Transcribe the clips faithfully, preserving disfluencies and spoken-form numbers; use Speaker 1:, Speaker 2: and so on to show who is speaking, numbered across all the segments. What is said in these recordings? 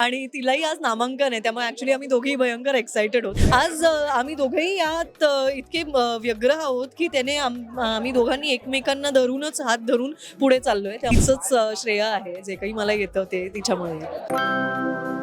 Speaker 1: आणि तिलाही आज नामांकन आहे, त्यामुळे ॲक्च्युली आम्ही दोघेही भयंकर एक्सायटेड आहोत. आज अ, आम्ही दोघेही यात अ, इतके अ, व्यग्र आहोत की त्याने आम आम्ही दोघांनी एकमेकांना धरूनच हात धरून पुढे चाललोय. तिचंच अ, श्रेय आहे, जे काही मला येतं ते तिच्यामुळे.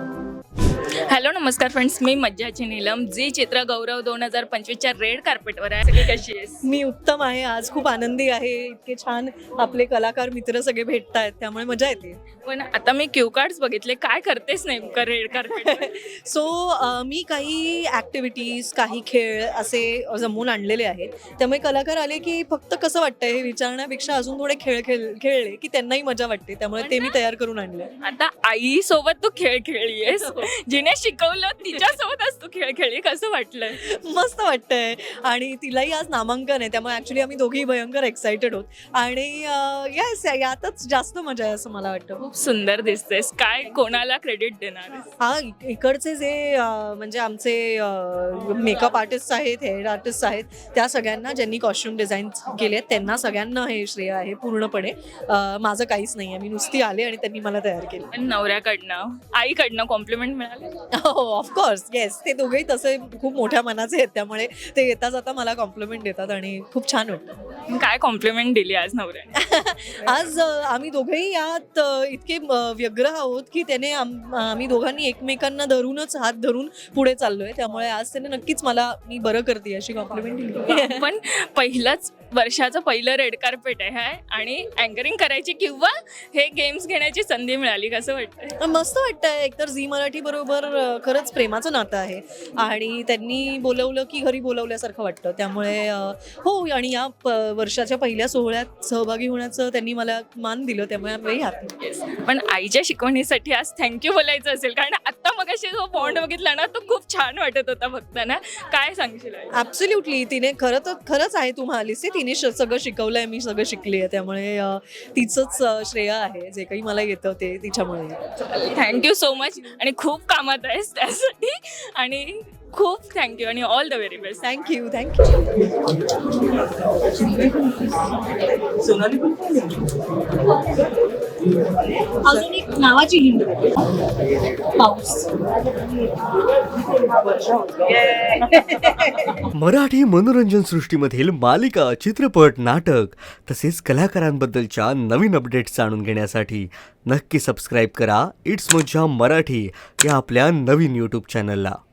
Speaker 2: हॅलो नमस्कार फ्रेंड्स, मी मज्जाची नीलम. जी चित्र गौरव दोन हजार पंचवीसच्या रेड कार्पेटवर आहे. सगळी कशी आहेस?
Speaker 1: मी उत्तम आहे, आज खूप आनंदी आहे. इतके छान आपले कलाकार मित्र सगळे भेटत आहेत, त्यामुळे मजा येते.
Speaker 2: पण आता मी क्यू कार्ड्स बघितले, काय करतेस नेमकं रेड कार्पेट?
Speaker 1: सो मी काही ॲक्टिव्हिटीज, काही खेळ असे जमवून आणलेले आहेत. त्यामुळे कलाकार आले की फक्त कसं वाटतंय हे विचारण्यापेक्षा अजून थोडे खेळ खेळ खेळले की त्यांनाही मजा वाटते, त्यामुळे ते मी तयार करून आणले.
Speaker 2: आता आई सोबत तू खेळ खेळलीयस, जिने शिकवलं तिच्यासोबतच तू खेळ खेळली, कसं वाटलं?
Speaker 1: मस्त वाटतंय आणि तिलाही आज नामांकन आहे, त्यामुळे ॲक्च्युली आम्ही दोघेही भयंकर एक्सायटेड आहोत आणि येस यातच जास्त मजा आहे असं मला वाटतं.
Speaker 2: खूप सुंदर दिसतेस. काय कोणाला क्रेडिट देणार?
Speaker 1: हा इक- इकडचे जे अ, म्हणजे आमचे मेकअप आर्टिस्ट आहेत, हेअर आर्टिस्ट आहेत, त्या सगळ्यांना ज्यांनी कॉस्ट्युम डिझाईन केले आहेत त्यांना सगळ्यांना हे श्रेय आहे पूर्णपणे. अ, माझं काहीच नाही आहे, मी नुसती आले आणि त्यांनी मला तयार केलं.
Speaker 2: पण नवऱ्याकडनं आईकडनं कॉम्प्लिमेंट मिळाले?
Speaker 1: हो ऑफकोर्स येस, ते दोघेही तसे खूप मोठ्या मनाचे आहेत, त्यामुळे ते येता जाता मला कॉम्प्लिमेंट देतात आणि खूप छान वाटतं.
Speaker 2: काय कॉम्प्लिमेंट दिली आज नवऱ्याने?
Speaker 1: आज अ, आम्ही दोघेही यात अ, इतके अ, व्यग्र आहोत की त्याने आम आम्ही दोघांनी एकमेकांना धरूनच हात धरून पुढे चाललोय, त्यामुळे आज त्याने नक्कीच मला मी बरं करते अशी कॉम्प्लिमेंट दिली.
Speaker 2: पण पहिलंच वर्षाचं पहिलं रेड कार्पेट आहे आणि अँकरिंग करायची किंवा हे गेम्स घेण्याची संधी मिळाली, कसं वाटतं?
Speaker 1: मस्त वाटतंय. एकतर झी मराठी बरोबर अ, खरंच प्रेमाचं नातं आहे आणि त्यांनी बोलवलं की घरी बोलवल्यासारखं वाटतं, त्यामुळे अ, हो आणि या प वर्षाच्या पहिल्या सोहळ्यात सहभागी होण्याचं त्यांनी मला मान दिलं, त्यामुळे आम्ही हॅपी.
Speaker 2: पण आईच्या शिकवणीसाठी आज थँक्यू बोलायचं असेल, कारण आता मगाशी जो बॉन्ड बघितला ना तो खूप छान वाटत होता बघताना. काय सांगशील आई?
Speaker 1: ॲब्सोल्युटली तिने खरं तर खरंच आहे, तू म्हणालीस ते, तिने श- सगळं शिकवलं आहे, मी सगळं शिकली आहे, त्यामुळे अ, तिचंच अ, श्रेय आहे, जे काही मला येतं ते तिच्यामुळे.
Speaker 2: थँक्यू सो मच आणि खूप कामात आहेस त्यासाठी आणि खूप थँक्यू आणि all the very best.
Speaker 1: Thank you thank you. अजून एक नावाची हिंट पाऊस.
Speaker 3: मराठी मनोरंजन सृष्टीमधील मालिका, चित्रपट, नाटक तसेच कलाकारांबद्दलच्या नवीन अपडेट्स जाणून घेण्यासाठी नक्की सबस्क्राईब करा इट्स मज्जा मराठी या आपल्या नवीन यूट्यूब चॅनलला.